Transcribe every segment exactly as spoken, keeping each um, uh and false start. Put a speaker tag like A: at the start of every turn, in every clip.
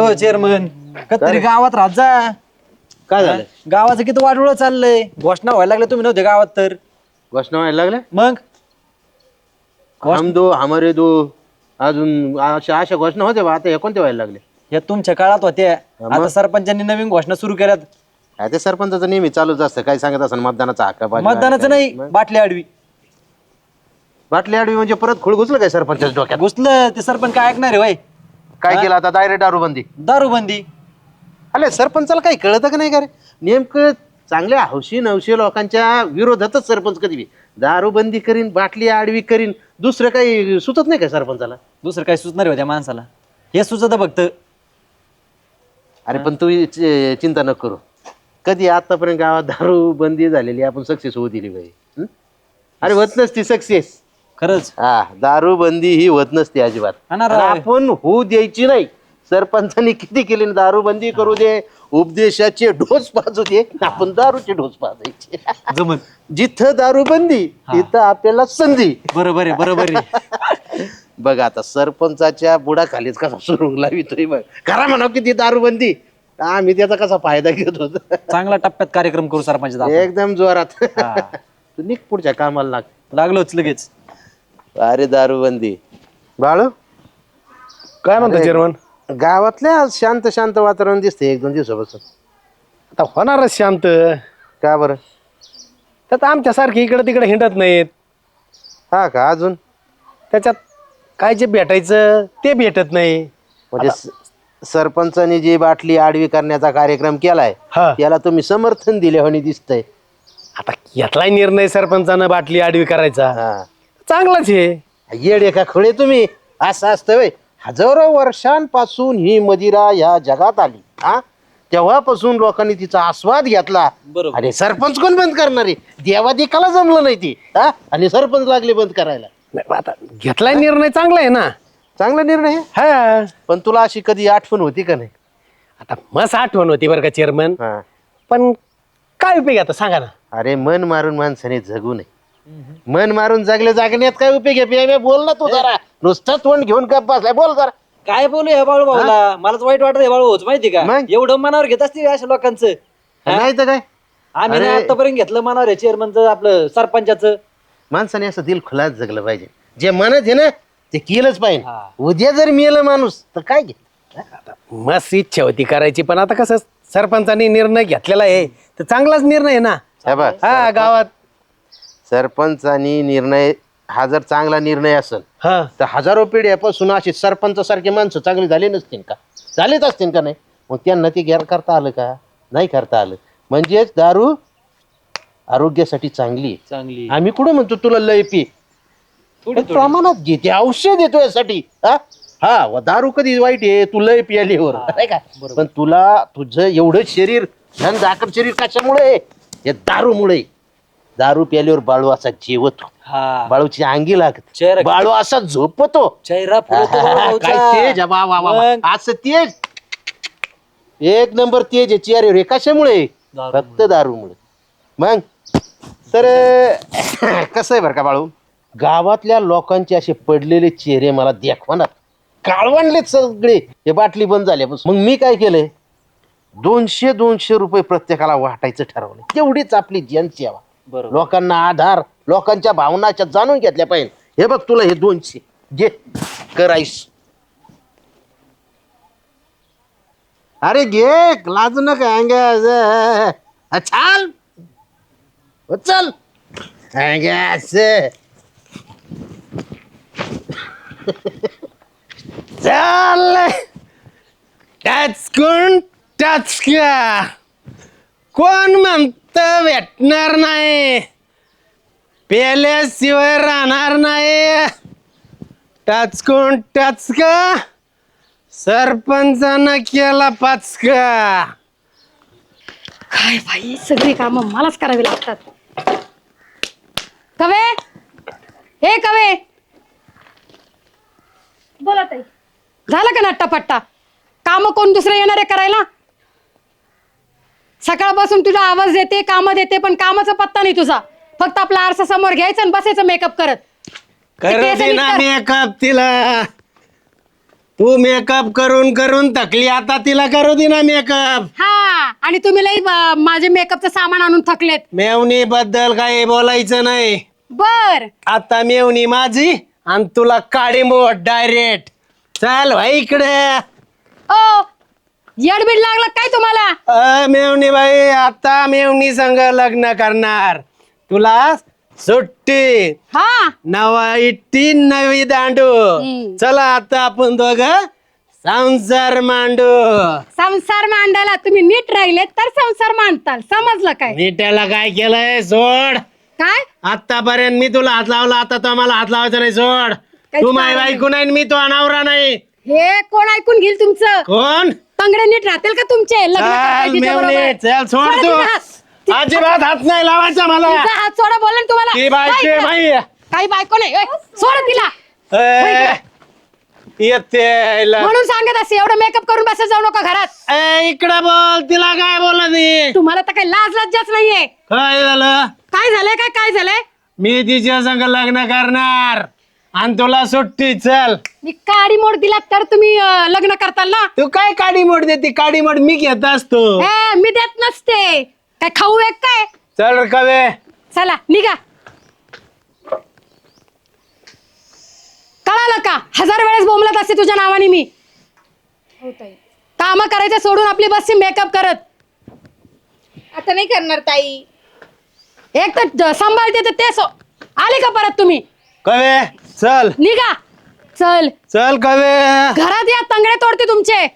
A: हो चेअरमन कधी गावात राहत जा.
B: काय झालं?
A: गावाचं किती वाटोळ चाललंय. घोषणा व्हायला लागल्या तुम्ही नव्हते गावात तर.
B: घोषणा व्हायला लागल्या
A: मग
B: हम दो हमारे दो अजून अशा अशा घोषणा होत्या बा. आता हे कोणत्या व्हायला लागले?
A: या तुमच्या काळात होत्या.
B: मग?
A: आता सरपंचांनी नवीन घोषणा सुरू केल्यात.
B: काय ते सरपंचाचं नेहमी चालूच असतं. काय सांगत असं मतदानाचा हक्क पाहिजे.
A: मतदानाचं नाही,
B: मग?
A: बाटली आडवी
B: बाटली आडवी म्हणजे परत खुळ घुसलं काय सरपंचाच्या डोक्यात?
A: घुसलं ते सरपंच काय ऐकणार आहे वय.
B: काय केलं आता? डायरेक्ट दारूबंदी.
A: दारूबंदी.
B: अरे सरपंचाला काही कळतं का नाही का रे? नेमकं चांगल्या हौशी नवशी लोकांच्या विरोधातच सरपंच कधी बी दारूबंदी करीन, बाटली आडवी करीन. दुसरं काही सुचत नाही का सरपंचाला?
A: दुसरं काय सुचणार आहे त्या माणसाला? हे सुचत फक्त.
B: अरे पण तू चि- चिंता न करू. कधी आतापर्यंत गावात दारू बंदी झालेली आपण सक्सेस होऊ दिली पाहिजे. हं? अरे होत नसती सक्सेस.
A: खरंच
B: हा दारू बंदी ही होत नसते अजिबात.
A: हा ना
B: आणि
A: राव.
B: आपण होऊ द्यायची नाही. सरपंचांनी किती केली दारूबंदी करू दे, उपदेशाचे ढोस पाजू दे, आपण दारूचे ढोस पाजायचे.
A: जमत.
B: जिथं दारूबंदी तिथं आपल्याला संधी.
A: बरोबर आहे बरोबर आहे.
B: बघ आता सरपंचाच्या बुडाखालीच कसा सुरुंग लावितोय बघ. करा म्हणा किती दारूबंदी, आम्ही त्याचा कसा फायदा घेत होतो.
A: चांगला टप्प्यात कार्यक्रम करू सरपंच.
B: एकदम जोरात.
A: हा.
B: तू निघ पुढच्या कामाला लाग.
A: लागलोच लगेच.
B: अरे दारूबंदी. बाळू
C: काय म्हणतो
B: अरे,
C: चेअरमन?
B: गावातल्या शांत शांत वातावरण दिसते एक दोन दिवसापासून.
C: आता होणारच शांत.
B: का बरं?
C: त्यात आमच्यासारखे इकडे तिकडे हिंडत नाहीत.
B: हा का? अजून
C: त्याच्यात काय जे भेटायचं ते भेटत नाही.
B: म्हणजे स- सरपंचानी जी बाटली आडवी करण्याचा कार्यक्रम केलाय
C: हा.
B: त्याला तुम्ही समर्थन दिले म्हणे दिसतंय.
C: आता घेतलाय निर्णय सरपंचानं बाटली आडवी करायचा,
B: हा.
C: चांगलाच आहे.
B: येडे का खोळे तुम्ही? असं असतं व्हय? हजारो वर्षांपासून ही मदिरा या जगात आली. हा तेव्हापासून लोकांनी तिचा आस्वाद घेतला.
A: बरोबर.
B: आणि सरपंच कोण बंद करणार आहे? देवादिकाला जमलं नाही ती. हा आणि सरपंच लागले बंद करायला.
C: नाही, आता घेतलाय निर्णय चांगला आहे ना.
B: चांगला निर्णय आहे.
C: हा.
B: पण तुला अशी कधी आठवण होती का नाही?
C: आता मस्त आठवण होती बरं का चेअरमन.
B: हा.
C: पण काय उपयोग आता सांगा ना.
B: अरे मन मारून माणसाने जगू नये. मन मारून जगले जागण्यात काय उपयोग आहे? बे- बे बोल ना तू जरा. नुसतं तोंड घेऊन गप बसलाय. बोल जरा.
A: काय बोलू हे बाळू भाऊला? मलाच वाईट वाटत हे बाळू भाऊच माहिती का?
B: मग?
A: एवढं मनावर घेत असते अशा लोकांचं. हा?
B: नाही तर काय?
A: आम्ही ना
B: अरे.
A: आतापर्यंत घेतलं मनावर आहे चेअरमनचं आपलं सरपंचाचं.
B: माणसाने असं दिल खुलाच जगलं पाहिजे. जे म्हणत आहे ना ते केलंच पाहिजे.
A: हा.
B: उद्या जर मेलं माणूस तर काय घे.
C: मस्त इच्छा होती करायची, पण आता कसं सरपंचानी निर्णय घेतलेला आहे तर चांगलाच निर्णय आहे ना.
B: हे बघ,
C: हा गावात.
B: सरपंचानी निर्णय हा जर चांगला निर्णय असेल
C: हा.
B: तर हजारो पिढ्यापासून अशी सरपंच सारखे माणसं चांगली झाली नसतील का? झालेच असतील का नाही? मग त्यांना ते गैर करता आलं का? नाही करता आलं. म्हणजेच दारू आरोग्यासाठी चांगली आहे.
A: चांगली
B: आम्ही कुठं म्हणतो तुला लय पी,
A: थोडी
B: पण प्रमाणात घे. ते औषध येतो यासाठी. हा हा व दारू कधी वाईट आहे? तू लय पियालीवर नाही का? पण तुला तुझं एवढं शरीर धन झाकड शरीर कशामुळे? हे दारूमुळे. दारू प्याल्यावर बाळू असा जेवतो.
A: हा.
B: बाळूची अंगी लागत.
A: चेहरा किती-
B: बाळू असा झोपतो.
A: चेहरा फुलतो बाळू भाऊचा.
B: काय तेज आहे, वा वा वा वा.
A: मग?
B: असं तेज एक नंबर तेज आहे चेहऱ्यावर. हे कशामुळे?
A: दारूमुळे.
B: फक्त दारूमुळे. मग तर कसं आहे बरं का बाळू, गावातल्या लोकांचे असे पडलेले चेहरे मला देखवणार काळवणले सगळे. हे बाटली बंद झाल्यापासून. मग मी काय केलंय, दोनशे दोनशे रुपये प्रत्येकाला वाटायचं ठरवलं. तेवढीच आपली जनसेवा.
A: बरोबर.
B: लोकांना आधार, लोकांच्या भावनाच्या जाणून घेतल्या पाहिजे. हे बघ तुला हे दोनशे घे, करायस. अरे घे, लाजू नका. अंग चाल चल
C: चाल टच कोण टच का कोण म्हणत भेटणार नाही, पेल्याशिवाय राहणार नाही. टच कोण टच का सरपंचानं केला पाच का.
D: काय बाई, सगळी कामं मलाच करावी लागतात. कवे, हे कवे,
E: बोला ताई.
D: झालं का नट्टापट्टा? काम कोण दुसरं येणार आहे करायला? सकाळपासून तुझा आवाज देते, काम देते, पण कामाचा पत्ता नाही तुझा. फक्त आपला आरसा समोर घ्यायचा आणि बसायचं मेकअप करत.
C: करते ना मेकअप तिला. तू मेकअप करून करून थकली, आता तिला करू दे ना मेकअप.
D: हा आणि तुम्ही लई अं, माझे मेकअपचं सामान आणून थकलेत.
C: मेवणी बद्दल काही बोलायचं नाही.
D: बर
C: आता मेवणी माझी आणि तुला काळी मोठ डायरेक्ट. चल भाई इकडे.
D: ओ येडबीड लागलं काय तुम्हाला?
C: अ मेवणी बाई, आता मेवणी संग लग्न करणार. तुला सुट्टी.
D: हा
C: नवा इट्टी नवी दांडू.
D: हम्म.
C: चला आता आपण दोघ संसार मांडू.
D: संसार मांडायला तुम्ही नीट राहिले तर संसार मांडताल, समजलं काय?
C: नीट्याला काय केलंय सोड.
D: काय
C: आतापर्यंत मी तुला हात लावला, आता तो मला हात लावायचा नाही. सोड.
D: काहीच
C: तू माय
D: कारण
C: बायको नाही, मी तो अनावरा नाही.
D: हे कोण ऐकून घेईल तुमचं?
C: कोण?
D: तंगडे नीट राहतील का तुमचे? लग्न करताय
C: चल
D: तिच्याबरोबर.
C: मेवणी, चल सोड
D: सोडा
C: तू.
D: तिचा हात. ति-
C: अजिबात हात नाही लावायचा मला.
D: तिचा हात सोडा बोला ना तुम्हाला.
C: ती बायको
D: काय
C: आहे
D: इकडं?
C: बाई.
D: काही बायको नाही ओय, सोडा तिला.
C: ए, येते आईला.
D: म्हणून सांगत असे एवढं मेकअप करून बसत जाऊ नका घरात.
C: ए, इकडं बोल. तिला काय बोलत नाही.
D: तुम्हाला तर काही लाज लज्जाच नाहीये.
C: काय झालं?
D: काय झालंय काय काय झालंय?
C: मी तिच्या संग लग्न करणार आणि तुला सुट्टी. चल.
D: मी काडी मोड दिला तर तुम्ही अं, लग्न करताल ना?
C: तू काय काडी मोड देते? काडी मोड मी घेत असतो.
D: हे मी देत नसते. काय खाऊ एक काय?
C: चल कवे.
D: चला निघा. कळालं का? हजार वेळेस बोंबलत असते तुझ्या नावाने मी. काम करायचं सोडून आपली बसची मेकअप करत.
E: आता नाही करणार ताई.
D: एक तर ज- सांभाळते तर ते सो- आले का परत तुम्ही?
C: कवे चल.
D: निघा. चल
C: चल कवे.
D: घरात या, तंगडे तोडते तुमचे.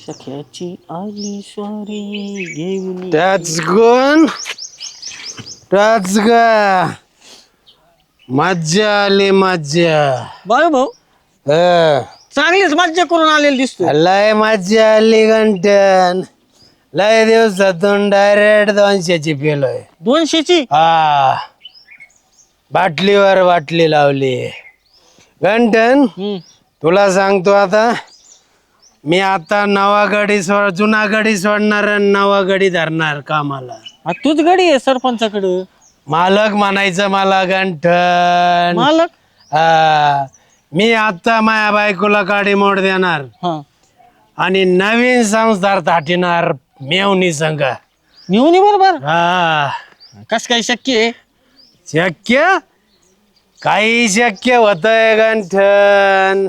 C: त्याच गुण त्याच ग. मज्जा आली मज्जा.
F: बाळू भाऊ
C: अ,
F: चांगलीच मज्जा करून आलेली दिसतो.
C: लय मज्जा आली गंटन. लय दिवसातून डायरेक्ट दोनशेची पेलोय.
F: दोनशेची
C: हा, बाटलीवर बाटली लावली. गंटन तुला सांगतो आता, मी आता नवा गडी सोड जुना गडी सोडणार आणि नवा गडी धरणार कामाला.
F: आ, तूच गडी आहे सरपंचाकडं.
C: मालक म्हणायचं मला गंठन.
F: मालक
C: हा, मी आता माया बायकोला काडी मोड देणार
F: हा
C: आणि नवीन संसार थाटिणार मेवणी संघ.
F: नेऊन बरोबर.
C: हा,
F: कस काय शक्य आहे?
C: शक्य काही शक्य होतंय गंठन.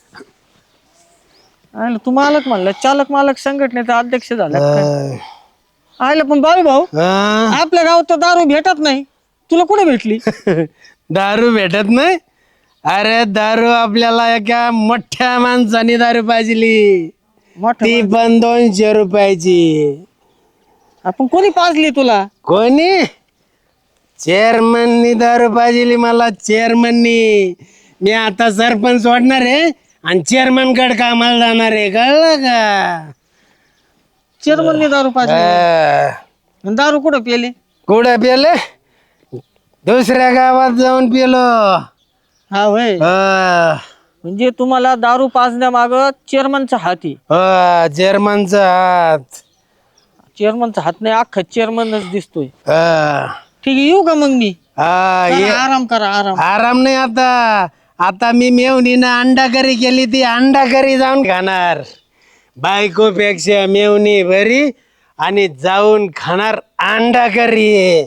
F: आयला तू मालक म्हणला, चालक मालक संघटनेचा अध्यक्ष झाला काय?
C: अं,
F: आयला पण बाळू भाऊ
C: हा?
F: आपल्या गावात तर दारू भेटत नाही, तुला कुठे भेटली?
C: दारू भेटत नाही? अरे दारू आपल्याला एका मोठ्या माणसाने दारू पाजली,
F: मोठं
C: ती पण दोनशे रुपयाची.
F: आपण कोणी पाजली तुला?
C: कोणी? चेअरमननी दारू पाजली मला. चेअरमननी. मी आता सरपंच सोडणार आहे आणि चेअरमन कडे कामाला जाणार आहे. कळलं का?
F: चेअरमनने दारू पाजली.
C: अं,
F: आणि दारू कुठं पेले?
C: कुठं पेले? दुसऱ्या गावात जाऊन पेलो.
F: हा होय.
C: अं,
F: म्हणजे तुम्हाला दारू पाजण्यामाग चेअरमनचा हात आहे.
C: अं, चेअरमनचा हात.
F: चेअरमनचा हात नाही, अख्खा चेअरमनच दिसतोय.
C: अं,
F: ठीक आहे, येऊ का मग मी?
C: हा,
F: चला,
C: ये.
F: आराम करा आराम.
C: आराम नाही आता. आता मी मेवणीनं अंडा करी केली, ती अंडा करी जाऊन खाणार. बायकोपेक्षा मेवणी बरी आणि जाऊन खाणार अंडा करी.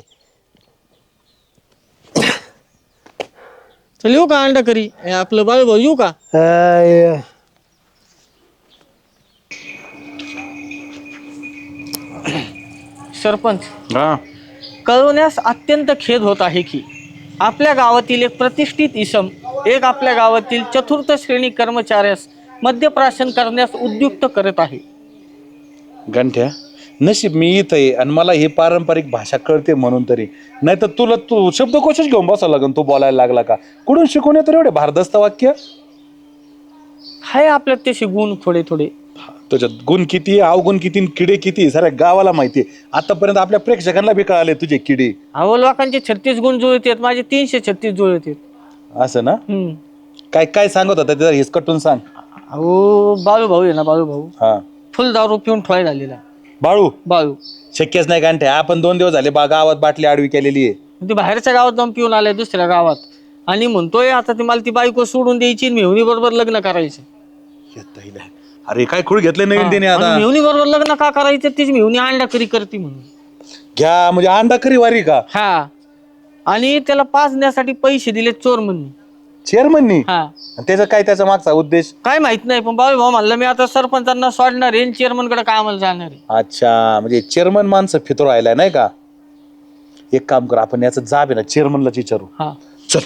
F: चल येऊ का अंडा करी? हे आपलं बाळू भाऊ येऊ का?
C: अय,
F: सरपंच कळवण्यास अत्यंत खेद होत आहे की आपल्या गावातील एक प्रतिष्ठित इसम एक आपल्या गावातील चतुर्थ श्रेणी कर्मचाऱ्यास मद्यप्राशन करण्यास उद्युक्त करत आहे.
G: गंठ्या नशीब मी इथं आहे आणि मला ही पारंपरिक भाषा कळते म्हणून तरी, नाही तर तुला तू शब्दकोशच घेऊन बसावं लागेल. तू बोलायला लागला का? कुठून शिकून येतो रे एवढे भारदस्त वाक्य?
F: हाय आपल्यात तसे गुण थोडे थोडे.
G: तुझ्यात गुण किती, अवगुण किती, आणि किडे किती साऱ्या गावाला माहिती आहे. आतापर्यंत आपल्या प्रेक्षकांना बी कळाले तुझे किडे.
F: अहो लोकांचे छत्तीस गुण जुळत आहेत, माझे तीनशे छत्तीस जुळत आहेत.
G: असं ना?
F: हम्म.
G: काय काय सांगत होता त्याचा हिसकटून सांग.
F: अहो बाळू भाऊ आहे ना, बाळू भाऊ
G: हा
F: फुल दारू पिऊन ठोय झालेला.
G: बाळू
F: बाळू
G: शक्यच नाही गंठ्या. आपण दोन दिवस झाले बा गावात बाटली आडवी केलेली आहे.
F: ते बाहेरच्या गावात जाऊन पिऊन आलाय दुसऱ्या गावात आणि म्हणतोय आता ती मला ती बायको सोडून द्यायची, मेहुणी बरोबर लग्न करायचं.
G: येता येईल. अरे काय खूळ घेतलंय नवीन त्याने आता.
F: मेहुणी बरोबर लग्न का करायचं तीच मेहुणी अंडा करी करते म्हणून.
G: घ्या म्हणजे अंडा करी वारी का
F: हा आणि त्याला पाजण्यासाठी पैसे दिले चोर म्हणून.
G: चेअरमननी?
F: हा
G: त्याचा काय त्याचा मागचा उद्देश?
F: काय माहित नाही पण बाबा भाऊ म्हणलं मी आता सरपंचांना सोडणार आहे चेअरमन कडे कामाला जाणार आहे.
G: अच्छा म्हणजे चेअरमन माणसं फितो राहिलाय नाही का. एक काम कर आपण याचं जाब आहे ना चेअरमनलाच विचारू.
F: हा
G: चल.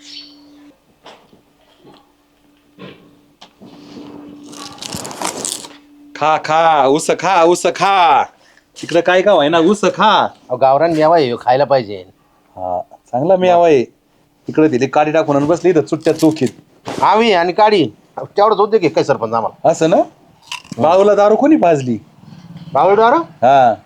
G: खा खा उस खा उस खा. तिकडं काय गाव आहे ना उस खा.
B: अहो, गावरान मेवा आहे ह्यो, खायला पाहिजे.
G: हा चांगला मी आहे. इकडे दिली काडी टाकून आणि बसली इथं चुट्ट्या चोखीत.
B: आम्ही आणि काढी तेवढंच होते की काय सरपंच आम्हाला.
G: असं ना. बाळूला दारू कोणी पाजली?
B: बाळूडार
G: हा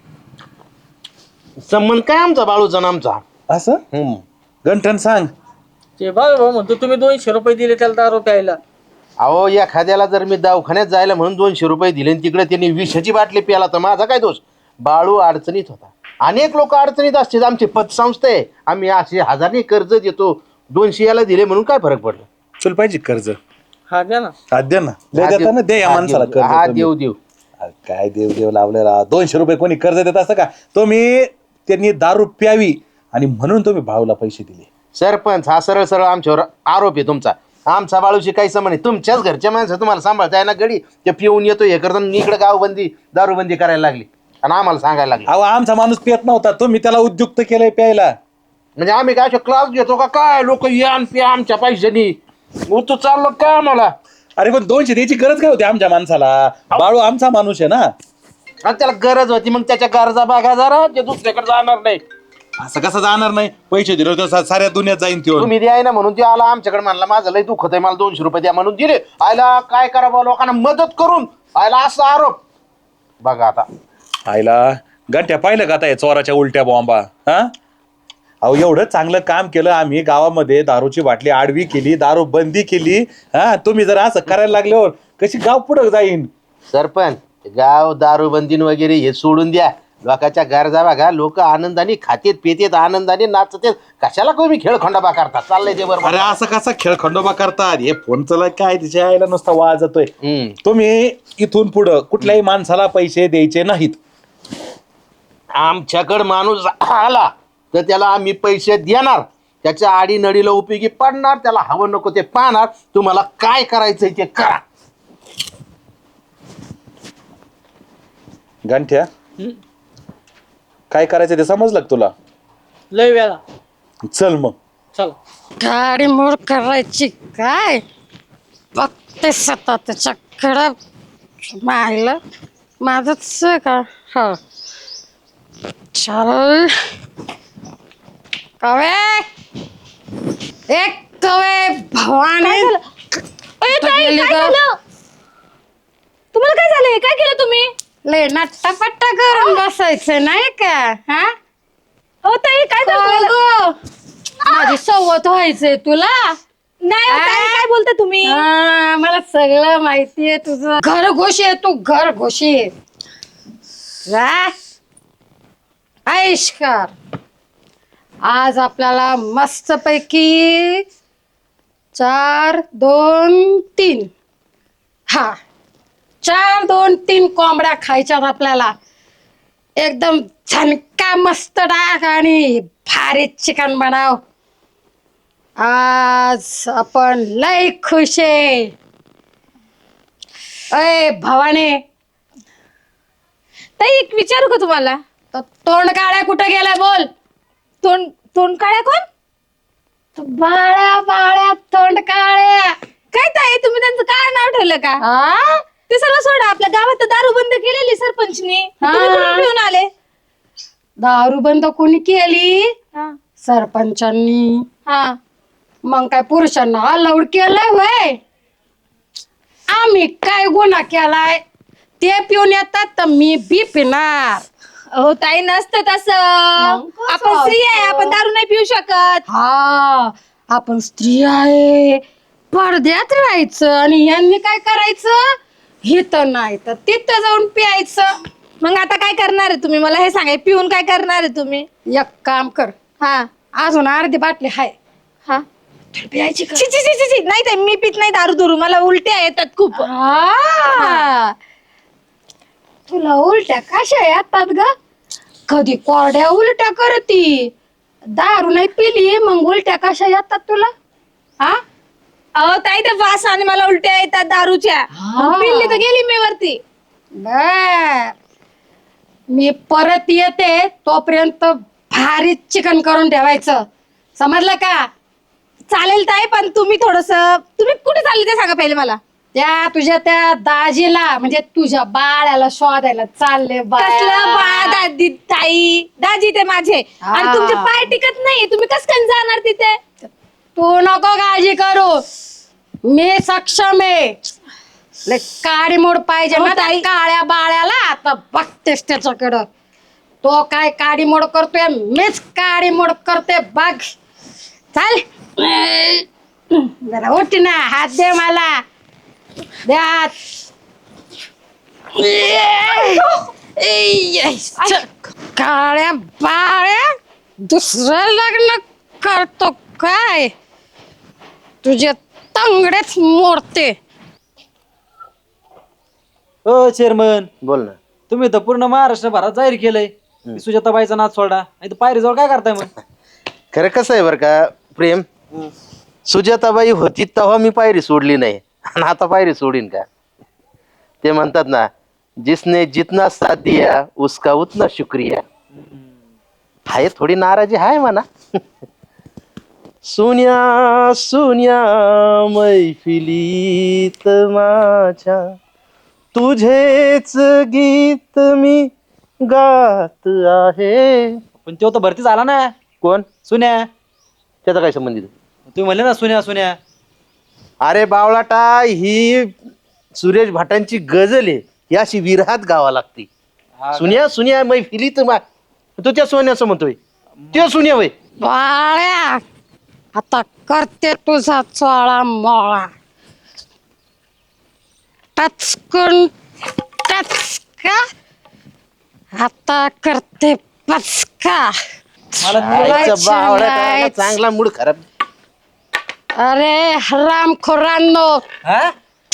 B: संबंध काय आमचा बाळूचा आणि आमचा.
G: असं
B: हम्म.
G: गंठन सांग.
F: ते बाबा भाऊ म्हणतो तुम्ही दोनशे रुपये दिले त्याला दारू प्यायला.
B: अहो एखाद्याला जर मी दवाखान्यात जायला म्हणून दोनशे रुपये दिले आणि तिकडे त्यांनी विषाची बाटली प्याला तर माझा काय दोष. बाळू अडचणीत होता. अनेक लोक अडचणीत असतात. आमची पतसंस्था आहे. आम्ही असे हजारने कर्ज देतो. दोनशे याला दिले म्हणून काय फरक पडला.
G: चल पाहिजे कर्ज.
F: हा द्या ना.
G: हा द्या ना. लय देता ना दे या
B: हा,
G: माणसाला
B: देऊ.
G: कर्ज
B: हा
G: तुम्ही.
B: देऊ देऊ.
G: अरे काय देव देव लावले राव. दोनशे रुपये कोणी कर्ज देत असतं का. तुम्ही त्यांनी दारू प्यावी आणि म्हणून तुम्ही भाऊला पैसे दिले.
B: सरपंच हा सरळ सरळ आमच्यावर आरोप आहे तुमचा. आमचा बाळूशी काही संबंध नाही. तुमच्याच घरच्या माणसं तुम्हाला सांभाळताय ना गडी ते पिऊन येतो हे करताना इकडे गावबंदी दारूबंदी करायला लागली आणि आम्हाला सांगायला लागली.
G: अहो आमचा माणूस पियत नव्हता तुम्ही त्याला उद्युक्त केलंय प्यायला.
B: म्हणजे आम्ही काय क्लास घेतो का काय. लोक या आणि प्या आमच्या पैशानी. तू चाललो काय आम्हाला.
G: अरे पण दोनशे द्यायची गरज काय होती आमच्या माणसाला. बाळू आमचा माणूस आहे ना.
B: आणि त्याला गरज होती मग त्याच्या गरजा बघा जरा ते दुसऱ्याकडे जाणार नाही.
G: असं कसं जाणार नाही. पैसे दिले तर सा- साऱ्या दुनियात जाईन त्यो.
B: तुम्ही द्याय ना म्हणून ते आला आमच्याकडे म्हणला माझं लय दुखत आहे मला दोनशे रुपये द्या म्हणून दिले. आयला काय करावं लोकांना मदत करून आयला असा आरोप बघा आता.
G: आईला गंठ्या पाहिलं का आता या चोराच्या उलट्या बॉम्बा. हा अहो एवढं चांगलं काम केलं आम्ही गावामध्ये. दारूची बाटली आडवी केली. दारू बंदी केली. हा तुम्ही जर असं करायला लागल्यावर कशी गाव पुढं जाईन.
B: सरपंच गाव दारूबंदीन वगैरे हे सोडून द्या. लोकांच्या गरजा बघा. लोक आनंदाने खातेत पितेत आनंदाने नाचतेत. कशाला तुम्ही खेळखंडोबा करता. चाललंय ते बरोबर.
G: अरे असं कसा खेळ खंडोबा करतात. हे फोनचं काय तिच्या आईला नुसता वाजतोय.
B: हम्म.
G: तुम्ही इथून पुढं कुठल्याही माणसाला पैसे द्यायचे नाहीत.
B: आमच्याकडे माणूस आला तर त्याला आम्ही पैसे देणार. त्याच्या आडीनडीला उपयोगी पडणार. त्याला हवं नको ते पाहणार. तुम्हाला काय करायचंय ते करा.
G: गंठ्या काय करायचं ते समजलं का तुला.
F: लय वेळा.
G: चल मग.
F: चला.
D: गाडी मोड करायची काय बघते सता त्याच्याकडं मायला माझंच का हो चल कवे एक कवे भवानी गेली गं.
E: तुम्हाला काय झालंय काय केलं तुम्ही.
D: लय नट्टापट्टा करून बसायचं नाही का हा
E: हो ताई काय झालं
D: काय
E: तुम्हाला?
D: गं? माझी सवत व्हायचंय तुला.
E: नाही हो, ताई, काय बोलता तुम्ही.
D: हा, मला सगळं माहितीये तुझं. घर घोशी आहे तू घर घोशी आयुष्कार. आज आपल्याला मस्त पैकी चार दोन तीन हा चार दोन तीन कोंबड्या खायच्यात आपल्याला. एकदम झणका मस्त टाक आणि भारी चिकन बनाव. आज आपण लय खुश आहे. अय भवानी
E: ताई एक विचारू का तुम्हाला.
D: तो तोंड काळ्या कुठं गेलाय बोल.
E: तोंड तोंड काळ्या कोण.
D: तो बाळ्या बाळ्या तोंड काळ्या.
E: काय ताई तुम्ही त्यांचं काय नाव ठेवलं का.
D: हा?
E: ते सर्व सोडा. आपल्या गावात दारू बंद केलेली सरपंचनी.
D: हा.
E: तुम्ही कुठून पिऊन आले.
D: दारू बंद कोणी केली
E: हा
D: सरपंचांनी.
E: हा
D: मग काय पुरुषांना अलाउड केलंय वय. आम्ही काय गुन्हा केलाय ते पिऊन येतात तर मी बी पिणार.
E: हो ताई नसतं तसं.
D: मग कसं
E: आपण स्त्री आहे
D: असतं?
E: आपण दारू नाही पिऊ शकत.
D: हा आपण स्त्री आहे पडद्यात राहायचं आणि यांनी काय करायचं हिथं नाही तर तिथं जाऊन प्यायचं.
E: मग आता काय करणार आहे तुम्ही मला हे सांगा. पिऊन काय करणार आहे तुम्ही.
D: एक काम कर
E: हा
D: अजून अर्धी बाटली हाय
E: हा छी छी छी छी छी. नाही ताई मी पित नाही दारू दुरू मला उलट्या येतात खूप.
D: आ, तुला उलट्या कशा येतात ग? कधी कोरड्या उलट्या करती, दारू नाही पिली मग उलट्या कशा येतात तुला? हा
E: अहो ताई ते वास आणि मला उलट्या येतात दारूच्या. मग पिल्ली तर गेली मी वरती.
D: बर, मी परत येते तोपर्यंत भारी चिकन करून ठेवायचं, समजलं का?
E: चालेल ताई पण तुम्ही थोडस तुम्ही कुठे चालले ते सांगा पहिले मला.
D: त्या तुझ्या त्या दाजीला म्हणजे तुझ्या बाळाला शोधायला चालले
E: कसलं बा दादी ताई दाजी ते माझे
D: हा.
E: आणि तुमचे पाय टिकत नाही तुम्ही कस काय जाणार तिथे.
D: तू नको काळजी करू, मी सक्षम आहे. लय काळी मोड पाहिजे ना त्या काळ्या बाळ्याला. आता बघतेस त्याच्याकडं, तो काय काळी मोड करतोय, मीच काळी मोड करते बघ. चाल जरा उठ ना, हात दे मला, दे हात. काळ्या बाळ्या दुसरं लग्न करतो काय? तुझे तंगडेच मोडते.
A: हो चेअरमन,
B: बोल ना.
A: तुम्ही तर पूर्ण महाराष्ट्र भरात जाहीर केलंय की सुजाताबाईचा नाच सोडा, नाही तर पायरी जवळ काय करताय मग?
B: खरं कसं आहे बरं का प्रेम, सुजाताबाई होती तेव्हा मी पायरी सोडली नाही आणि आता पायरी सोडीन का? ते म्हणतात ना, जिसने जितना साथ दिया उसका उतना शुक्रिया. हाय थोडी नाराजी हाय म्हणा. सुन्या सुन्या मैफिलीत माझ्या तुझेच गीत मी गात आहे.
A: पण तो तर भरती झाला ना.
B: कोण?
A: सुन्या.
B: त्याचा काय संबंधित?
A: तुम्ही म्हणले ना सुन्या सुन्या.
B: अरे बावळाटा, ही सुरेश भटांची गझल आहे, ही अशी विरहात गावा लागते. सुन्या सुन्या मैफिलीत मा तो त्या सोन्याचं म्हणतोय, ते सुन्या वय.
D: बाळ्या आता करते तुझा चोळा मोळा. टचकन टचका, आता करते पचका.
B: आईचा बावळाटा, चांगला मूड खराब.
D: अरे हराम खोरांनो,
A: हा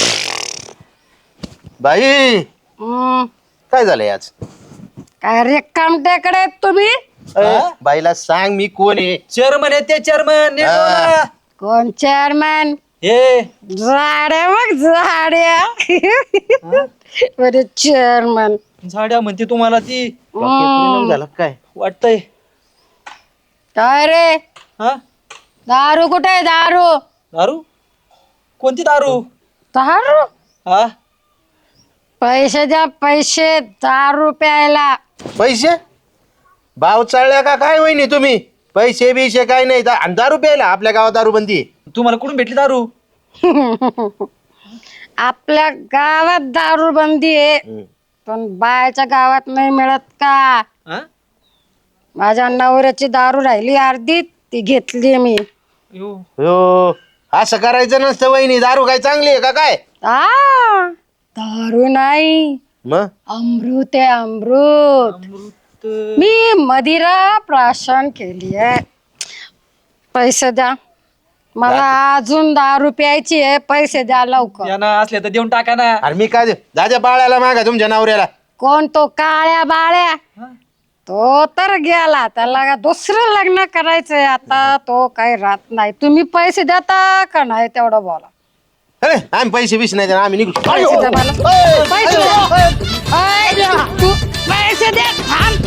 B: बाई
D: हम्म,
B: काय झालंय आज?
D: काय रिकाम टेकडे तुम्ही?
B: अरे, बाईला सांग मी कोण आहे.
A: चेअरमन आहे ते चेअरमन.
B: हा.
D: कोण चेअरमॅन?
A: हे
D: झाड्या मग झाड्या. बरे चेअरमॅन
A: झाड्या म्हणते तुम्हाला ती,
B: परिणाम झाला काय?
A: वाटतंय.
D: काय रे,
A: हा
D: दारू कुठे आहे? दारू
A: दारू? कोणती दारू?
D: दारू
A: हा
D: पैसे द्या, पैसे दारू प्यायला.
B: पैसे? भाव चालल्या का काय वहिनी तुम्ही? पैसे बिशे काय नाही. दा- आणि दारू प्यायला आपल्या गावात दारू बंदी आहे.
A: तुम्हाला कुठून भेटली दारू?
D: आपल्या गावात दारू बंदी आहे, पण बायच्या गावात नाही मिळत का?
A: हा?
D: माझ्या नवऱ्याची दारू राहिली अर्धी, ती घेतली मी.
A: यो.
B: हो, असं करायचं नसतं वहिनी. दारू काय चांगली आहे का काय?
D: आ दारू नाही,
B: मग
D: अमृत आहे अमृत. मी मदिरा प्राशन केली आहे. पैसे द्या, मला अजून दारू प्यायची आहे. पैसे द्या लवकर.
A: यांना असले तर देऊन टाका ना.
B: अरे मी काय देऊ? दादा बाळाला मागा तुमच्या नवऱ्याला.
D: कोण तो काळ्या बाळ्या? तो तर गेला, त्याला का दुसरं लग्न करायचंय आता. तो काही राहत नाही. तुम्ही पैसे देता का नाही तेवढं बोला.
B: अरे आम्ही पैसे बिशे नाही देणार, आम्ही निघू.
D: पैसे द्या मला. पैसे द्या. अय, तू पैसे दे. थांब.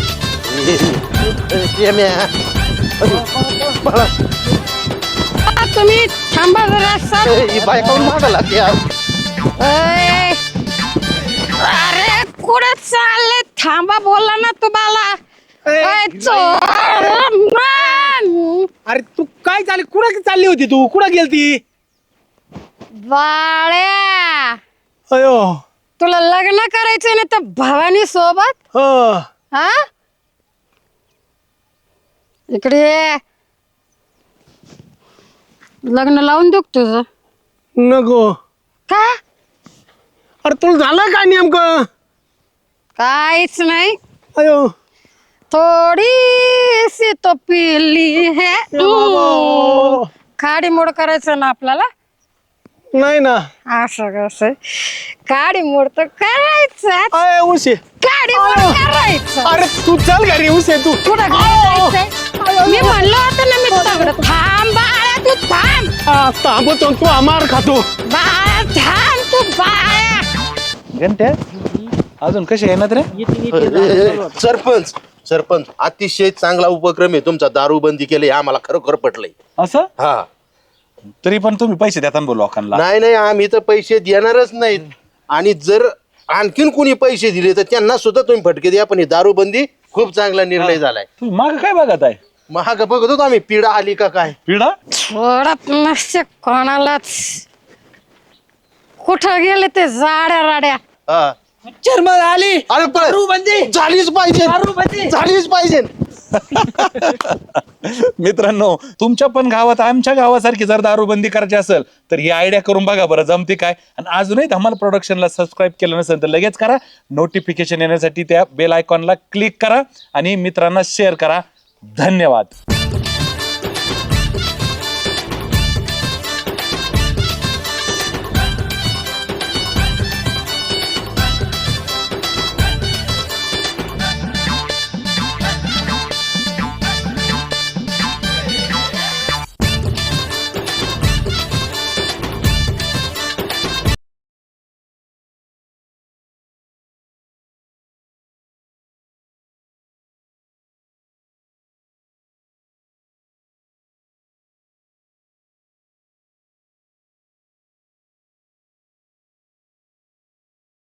B: ये म्या. बाळा,
D: आ, तुम्ही थांबा जरा सर.
B: ही बाय काऊन मागा लागते यार?
D: अय, अरे कुठे चालले? थांबा बोला ना तुम्हाला. अय, चोर man.
C: अरे तू काय चालली, कुठं चालली होती तू? कुठं गेलती?
D: बाळ्या,
C: अयो
D: तुला लग्न करायचंय ना तर भवानी सोबत?
C: हो.
D: हा इकडे ये. लग्न लावून देऊ का तुझं?
C: नको.
D: का?
C: अरे तुला झालं काय नेमकं?
D: काहीच नाही,
C: अयो
D: थोडी सी तो पीली है.
C: बाबा.
D: काडी मोड करायचं ना आपल्याला.
C: नाही ना.
D: असं कसं काडी मोड तर करायचं.
C: अय उशे,
D: काडी मोड करायचं.
C: अरे तू चल घरी उशे तू.
D: कुठं घरी जायचंय? मी म्हणलं होतं ना मी तुझ्याकडं थांब बाळा तू थांब.
C: आ, थांबतो तू अमार खातो.
D: बाळा थांब तू बाळा.
G: घंट्या अजून कसे येणार रे?
B: सरपंच सरपंच अतिशय चांगला उपक्रम आहे तुमचा. दारूबंदी केली आम्हाला खरोखर पटलंय.
G: असं
B: हा
G: तरी पण तुम्ही पैसे देता बोल लोकांना.
B: नाही नाही आम्ही तर पैसे देणारच नाहीत. आणि जर आणखीन कोणी पैसे दिले तर त्यांना सुद्धा तुम्ही फटके द्या. पण ही दारूबंदी खूप चांगला निर्णय झालाय.
G: तुम्ही माग काय बघत आहे?
B: महाग बघत होतो आम्ही पिढा आली का काय.
G: पिढा
D: सोडत नसते कोणालाच. कुठं गेले ते जाड्या राड्या.
B: हा.
A: चर्मन आली.
B: अरे पण
A: दारूबंदी.
B: झालीच पाहिजे
A: दारूबंदी.
B: झालीच पाहिजे.
G: मित्रांनो तुमच्या पण गावात आमच्या गावासारखी जर दारूबंदी करायची असेल तर ही आयडिया करून बघा बरं जमते काय. आणि अजूनही धमाल प्रोडक्शनला सबस्क्राईब केलं नसेल तर लगेच करा. नोटिफिकेशन येण्यासाठी त्या बेल आयकॉनला क्लिक करा आणि मित्रांना शेअर करा. धन्यवाद.